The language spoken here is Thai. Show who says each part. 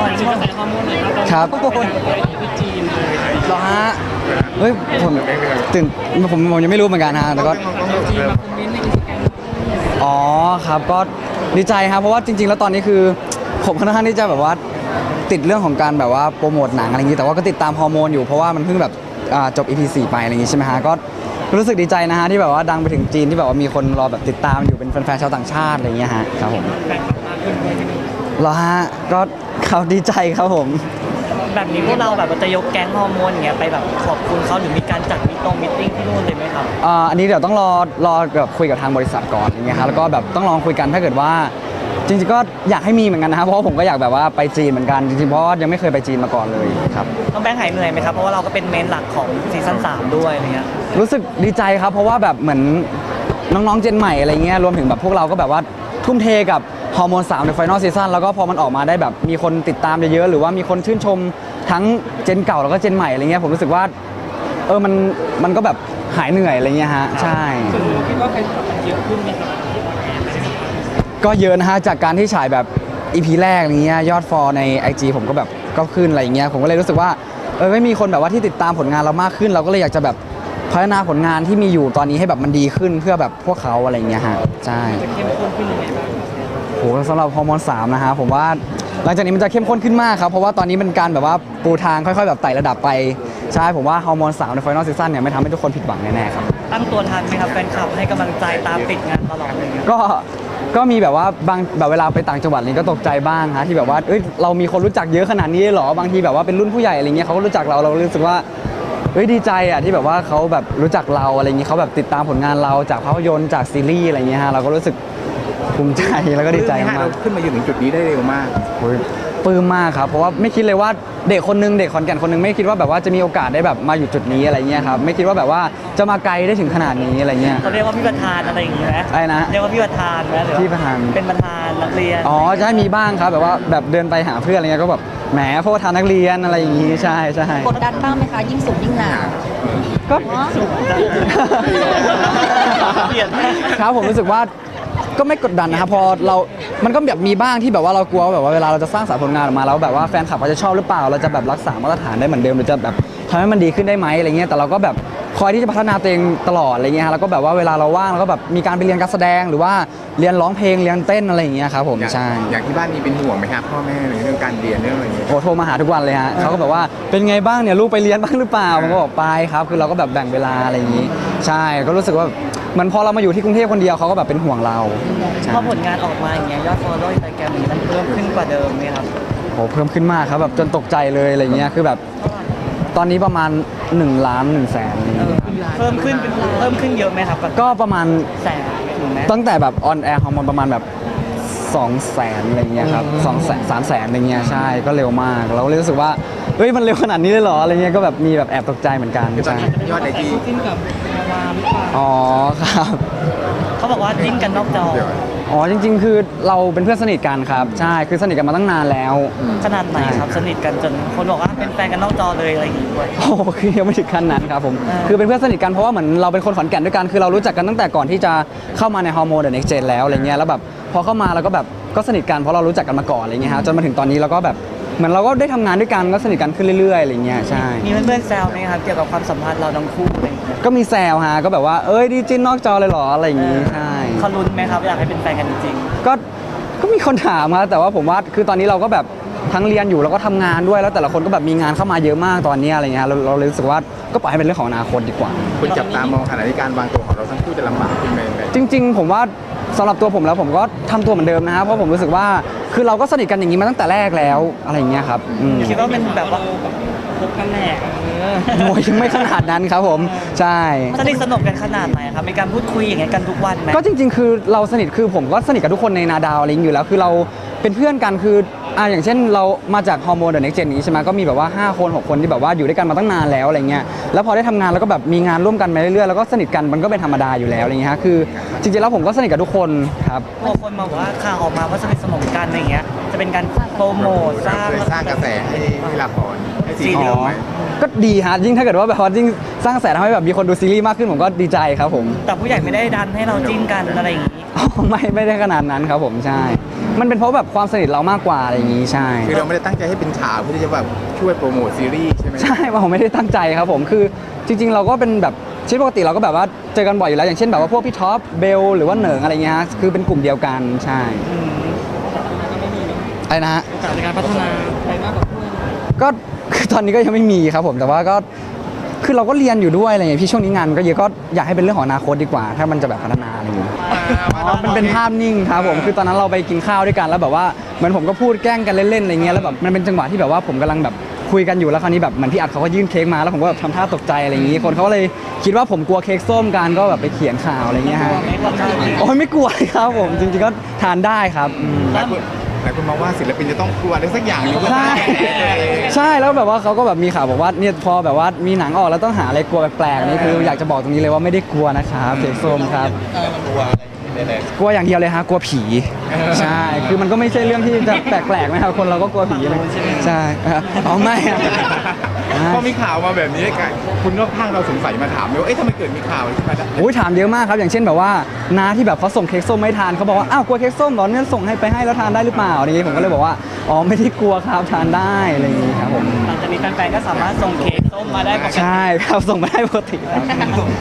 Speaker 1: อนที่กระแสฮอร์โมนเลย
Speaker 2: ครับ
Speaker 1: ครับที่จีนเลย
Speaker 2: เหรอฮะเฮ้ยผมตื่นผมยังไม่รู้เหมือนกันฮะแต่ก็
Speaker 1: จีนมาคอมเมนต์ในอินสตาแกรม
Speaker 2: อ๋อครับก็ดีใจครับเพราะว่าจริงๆแล้วตอนนี้คือผมค่อนข้างที่จะแบบว่าติดเรื่องของการแบบว่าโปรโมทหนังอะไรอย่างนี้แต่ว่าก็ติดตามฮอร์โมนอยู่เพราะว่ามันเพิ่งแบบจบ EP 4ไปอะไรอย่างนี้ใช่ไหมฮะก็รู้สึกดีใจนะฮะที่แบบว่าดังไปถึงจีนที่แบบว่ามีคนรอแบบติดตามอยู่เป็นแฟนๆชาวต่างชาติอะไรอย่างเงี้ยฮะครับผม
Speaker 1: แฟนคลับมากขึ้นด้วยที่นี่
Speaker 2: เหรอฮะก็เขาดีใจครับผม
Speaker 3: แบบนี้พวกเราแบบจะยกแก๊งฮอร์โมนอย่างเงี้ยไปแบบขอบคุณเขาหรือมีการจัดมิตติ้งที่นู่นเลยไหมครับ
Speaker 2: อันนี้เดี๋ยวต้องรอแบบคุยกับทางบริษัทก่อนอย่างเงี้ยฮะแล้วก็แบบต้องลองคุยกันถ้าเกิดว่าจริงๆก็อยากให้มีเหมือนกันนะครับเพราะว่าผมก็อยากแบบว่าไปจีนเหมือนกันจริงๆเพราะว่ายังไม่เคยไปจีนมาก่อนเลยครับ
Speaker 3: ต้องแบงค์หายเหนื่อยไหมครับเพราะว่าเราก็เป็นเมนหลักของซีซั่น3ด้วยอะไรเงี้ย
Speaker 2: รู้สึกดีใจครับเพราะว่าแบบเหมือนน้องๆเจนใหม่อะไรเงี้ยรวมถึงแบบพวกเราก็แบบว่าทุ่มเทกับฮอร์โมน3ในไฟนอลซีซั่นแล้วก็พอมันออกมาได้แบบมีคนติดตามเยอะๆหรือว่ามีคนชื่นชมทั้งเจนเก่าแล้วก็เจนใหม่อะไรเงี้ยผมรู้สึกว่ามันก็แบบหายเหนื่อยอะไรเงี้ยฮะใช่
Speaker 1: ส่วนหนึ่งคิดว่าแฟนคลับมันเยอะขึ้นไหมครับ
Speaker 2: ก็เยอะนะฮะจากการที่ฉายแบบ EP แรกอะไรเงี้ยยอดฟอลใน IG ผมก็แบบก็ขึ้นอะไรเงี้ยผมก็เลยรู้สึกว่าไม่มีคนแบบว่าที่ติดตามผลงานเรามากขึ้น เราก็เลยอยากจะแบบพัฒนาผลงานที่มีอยู่ตอนนี้ให้แบบมันดีขึ้นเพื่อแบบพวกเขาอะไรเงี้ยฮะใช่
Speaker 1: จะเข้มข้นขึ้นยังไงบ้าง
Speaker 2: โหสำหรับฮอร์โมน3นะฮะผมว่าหลังจากนี้มันจะเข้มข้นขึ้นมากครับเพราะว่าตอนนี้เป็นการแบบว่าปูทางค่อยๆแบบไต่ระดับไปใช่ผมว่าฮอร์โมน3ในไฟนอลซีซั่นเนี่ยไม่ทำให้ทุกคนผิดหวังแน่ๆครับ
Speaker 3: ตั้งตัวทันไหมครับแฟนคลับให้กำลังใจตามติดงานตลอดเลย
Speaker 2: ก็มีแบบว่าบางแบบเวลาไปต่างจังหวัดนี่ก็ตกใจบ้างฮะที่แบบว่าเรามีคนรู้จักเยอะขนาดนี้เหรอบางทีแบบว่าเป็นรุ่นผู้ใหญ่อะไรเงี้ยเขาก็รู้จักเรารู้สึกว่าดีใจอ่ะที่แบบว่าเขาแบบรู้จักเราอะไรเงี้ยเขาแบบติดตามผลงานเราจากภาพยนตร์จากซีรีส์อะไรเงี้ยฮะเราก็รู้สึกภูมิใจแล้วก็ดีใจมาก
Speaker 4: เราขึ้นมาอยู่ถึงจุดนี้ได้เร็วมาก
Speaker 2: โอ้ยปลื้มมากครับเพราะว่าไม่คิดเลยว่าเด็กคนนึงเด็กขอนแก่นคนนึงไม่คิดว่าแบบว่าจะมีโอกาสได้แบบมาอยู่จุดนี้อะไรเงี้ยครับไม่คิดว่าแบบว่าจะมาไกลได้ถึงขนาดนี้อะไรเงี้ย
Speaker 3: เขาเรียกว่าพี่ประธานอะไรอย่างเงี้ยไหม
Speaker 2: อะไรนะ
Speaker 3: เรียกว่าพี่ประธานไหมหรือว่า
Speaker 2: พี่ประธาน
Speaker 3: เป็นประธานนักเรียน
Speaker 2: อ๋อใช่มีบ้างครับแบบว่าแบบเดินไปหาเพื่อนอะไรเงี้ยก็แบบแหมพวกทานนักเรียนอะไรอย่างงี้ใช่ใช่
Speaker 5: กดดันบ้างไหมคะ ยิ่งสูงยิ่งหนาว
Speaker 2: ก็
Speaker 3: เปลี่ยน
Speaker 2: ครับผมรู้สึกว่าก็ไม่กดดันนะครับพอเรามันก็แบบมีบ้างที่แบบว่าเรากลัวว่าแบบว่าเวลาเราจะสร้างสรรค์ผลงานออกมาแล้วแบบว่าแฟนคลับเขาจะชอบหรือเปล่าเราจะแบบรักษามาตรฐานได้เหมือนเดิมหรือจะแบบทำให้มันดีขึ้นได้ไหมอะไรเงี้ยแต่เราก็แบบคอยที่จะพัฒนาตัวเองตลอดอะไรเงี้ยฮะแล้วก็แบบว่าเวลาเราว่างเราก็แบบมีการไปเรียนการแสดงหรือว่าเรียนร้องเพลงเรียนเต้นอะไรอย่างเงี้ยครับผมใช่
Speaker 4: อย่างที่บ้านมีเป็นห่วงไหมครับพ่อแม่ในเรื่องการเรียนเรื่องอะไรอย่างเงี้ย
Speaker 2: โอ้โทรมาหาทุกวันเลยฮะเขาก็แบบว่าเป็นไงบ้างเนี่ยลูกไปเรียนบ้างหรือเปล่าผมก็บอกไปครับคือเราก็แบบแบ่งเวลาอะไรอย่างงี้ใช่ก็รู้สึกว่าเหมือนพอเรามาอยู่ที่กรุงเทพคนเดียวเขาก็แบบเป็นห่วงเราใช่
Speaker 3: พอผลงานออกมาอย่างเงี้ยยอด follow Instagram มันเพิ่มขึ้นกว่าเดิมไหมครับ
Speaker 2: โหเพิ่มขึ้นมากครับแบบจนตกใจเลยอะไรเงี้ยคือแบบตอนนี้ประมาณ1 ล้าน1 แสนอะไรเงี้ย
Speaker 3: เพิ่มขึ้นเยอะไหมครับ
Speaker 2: ก็ประมาณ
Speaker 3: แสนถึงไหม
Speaker 2: ตั้งแต่แบบออนแอร์ฮอร์โมนประมาณแบบ2 แสนอะไรเงี้ยครับ2 แสน3 แสนอะไรเงี้ยใช่ก็เร็วมากเราก็เลยรู้สึกว่าเฮ้ยมันเร็วขนาดนี้เลยเหรออะไรเงี้ยก็แบบมีแบบแอบตกใจเหมือนกัน
Speaker 4: คือตอน
Speaker 2: ใช่
Speaker 4: นี้ยอดไอจี
Speaker 1: จิ้นกับดาราหรือเปล่า
Speaker 2: อ๋อครับ
Speaker 3: เขาบอกว่าจิ้นกันนอกจอ
Speaker 2: อ๋อจริงๆ คือเราเป็นเพื่อนสนิทกันครับใช่คือสนิทกันมาตั้งนานแล้ว
Speaker 3: ขนาดไหนครับสนิทกันจนคนบอกว่าเป็นแฟนกันนอกจอเลยอะไรอย่างงี้ด้วย
Speaker 2: โอ้โหคือยังไม่ถึงขั้นนั้นครับผม
Speaker 3: อ่า
Speaker 2: คือเป็นเพื่อนสนิทกันเพราะว่าเหมือนเราเป็นคนขอนแก่นด้วยกันคือเรารู้จักกันตั้งแต่ก่อนที่จะเข้ามาในฮอร์โมนเดอะเน็กเจนแล้วอะไรเงี้ยแล้วแบบพอเข้ามาเราก็แบบก็สนิทกันเพราะเรารู้จักกันมาก่อนอะไรเงี้ยฮะจนมาถึงตอนนี้เราก็แบบเหมือนเราก็ได้ทำงานด้วยกันก็สนิทกันขึ้นเรื่อยๆอะไรเงี้ยใช่
Speaker 3: มีเพื่อนๆแซวไหมครับเกี่ยวกับความสัมพันธ์เราทั้งคู่อะไรอย่างเงี้ย
Speaker 2: ก็มีแซวฮะก็แบบว่าดีจิ้นนอกจอเลยเหรออะไรอย่างงี้ใช่
Speaker 3: เขาลุ้นไหมครับอยากให้เป็นแฟนกันจริง
Speaker 2: ก็มีคนถามครับแต่ว่าผมว่าคือตอนนี้เราก็แบบทั้งเรียนอยู่แล้วก็ทำงานด้วยแล้วแต่ละคนก็แบบมีงานเข้ามาเยอะมากตอนนี้อะไรเงี้ยเราเลยรู้สึกว่าก็ปล่อยให้เป็นเรื่องของอนาคตดีกว่า
Speaker 4: คุณจับตามองขณะที่การวางตัวของเราทั้งคู่จะลำบากขึ้นไหม
Speaker 2: จริงๆผมว่าสำหรับตัวผมแล้วผมก็ทำตัวเหมือนเดิมนะฮะเพราะผมรู้สึกว่าคือเราก็สนิทกันอย่างนี้มาตั้งแต่แรกแล้วอะไรอย่างเงี้ยครับ
Speaker 3: ๆคิดว่าเป็นแบบว่า
Speaker 1: พบกันแหละ
Speaker 2: โอ้ยไม่ขนาดนั้นครับผมใช่
Speaker 3: สนิทสนมกันขนาดไหนครับมีการพูดคุยอย่างเงี้ยกันทุกวันไหม
Speaker 2: ก็จริงๆ คือเราสนิทคือผมก็สนิทกับทุกคนในนาดาวอะไรอย่างเงี้ยอยู่แล้วคือเราเป็นเพื่อนกันคืออย่างเช่นเรามาจากฮอร์โมนเดอะเน็กเจนนี้ใช่ไหมก็มีแบบว่า5 คน 6 คนที่แบบว่าอยู่ด้วยกันมาตั้งนานแล้วอะไรเงี้ยแล้วพอได้ทำงานแล้วก็แบบมีงานร่วมกันมาเรื่อยๆแล้วก็สนิทกันมันก็เป็นธรรมดาอยู่แล้วอะไรเงี้ยฮะคือจริงๆแล้วผมก็สนิทกับทุกคนครับ
Speaker 3: พอคนมาบอกว่าข่าวออกมาว่าสนิทสนมกันอะไรอย่างเงี้ยจะเป็นการโปรโมทสร้าง
Speaker 4: สร้างกระแสให้ละครให้ซีรีส์เราไหม
Speaker 2: ก็ดีฮะยิ่งถ้าเกิดว่าแบบว่ายิ่งสร้างกระแสทำให้แบบมีคนดูซีรีส์มากขึ้นผมก็ดีใจครับผม
Speaker 3: แต่ผู้ใหญ่ไม่ได้ดันให้เราจิ้นกันอะไรอย่างงี้
Speaker 2: อ๋อไม่ได้ขนาดนั้นครับผมใช่มันเป็นเพราะแบบความสนิทเรามากกว่าอะไรอย่างงี้ใช่
Speaker 4: คือเราไม่ได้ตั้งใจให้เป็นข่าวเพื่อที่จะแบบช่วยโปรโมทซีรีส์ใช่ไหม
Speaker 2: ใช่ว่าผมไม่ได้ตั้งใจครับผมคือจริง ๆ เราก็เป็นแบบชีวิตปกติเราก็แบบว่าเจอกันบ่อยอยู่แล้วอย่างเช่นแบบว่าพวกพี่ท็อปเบลหรือว่าเหนิงอะไรเงี้ยฮะคือเป็นกลุ่มเดียวกันใช่อะไรนะฮะ
Speaker 1: โอกาสในการพัฒนาไปมากกว่าเพื่อน
Speaker 2: ก็คือตอนนี้ก็ยังไม่มีครับผมแต่ว่าก็คือเราก็เรียนอยู่ด้วยอะไรอย่างเงี้ยพี่ช่วงนี้งานมันก็เยอะก็อยากให้เป็นเรื่องของอนาคตดีกว่า ถ้ามันจะแบบพัฒนาอะไรอย่างเงี้ยอ๋อมันเป็นภาพนิ่งครับผมคือตอนนั้นเราไปกินข้าวด้วยกันแล้วแบบว่าเหมือนผมก็พูดแกล้งกันเล่นๆอะไรเงี้ยแล้วแบบมันเป็นจังหวะที่แบบว่าผมกำลังแบบคุยกันอยู่แล้วคราวนี้แบบเหมือนพี่อัดเขาก็ยื่นเค้กมาแล้วผมก็แบบทำท่าตกใจอะไรอย่างงี้คนเขาก็เลยคิดว่าผมกลัวเค้กส้มกันก็แบบไปเขียนข่าวอะไรเงี้ยฮะโอ้ยไม่กลัวครับผมจริงๆก็ทานได้ครับ
Speaker 4: หลายคนมองว่าศิลปินจะต้องกลัวอะไรสักอย่างหนึงเพื่อ
Speaker 2: ใช่
Speaker 4: สร้างกระแสตัวเอง
Speaker 2: ใช่แล้วแบบว่าเขาก็แบบมีข่าวบอกว่าเนี่ยพอแบบว่ามีหนังออกแล้วต้องหาอะไรกลัวแปลกๆนี่คืออยากจะบอกตรงนี้เลยว่าไม่ได้กลัวนะครับเค้กส้มครับกลัวอย่างเดียวเลยฮะกลัวผีใช่คือมันก็ไม่ใช่เรื่องที่จะแปลกๆนะครับคนเราก็กลัวผีเลยใช่อ๋อไม่อะ
Speaker 4: พอมีข่าวมาแบบนี้กันคุณรอบข้างเราสงสัยมาถามเลยว่าเอ๊ะทำไมเกิดมีข่าวขึ้นมาได้
Speaker 2: โอ้ยถามเยอะมากครับอย่างเช่นแบบว่าน้าที่แบบเขาส่งเค้กส้มไม่ทานเขาบอกว่าอ้าวกลัวเค้กส้มเหรอเนี่ยส่งให้ไปให้แล้วทานได้หรือเปล่าอะไรอย่างงี้ผมก็เลยบอกว่าอ๋อไม่ได้กลัวครับทานได้อะไรอย่างงี้ครับผม
Speaker 3: หลังจากนี้แฟนๆก็สามารถส่งเค้กส้มมาได้ปกติ
Speaker 2: ใช่ครับส่งมาได้ปกติครับ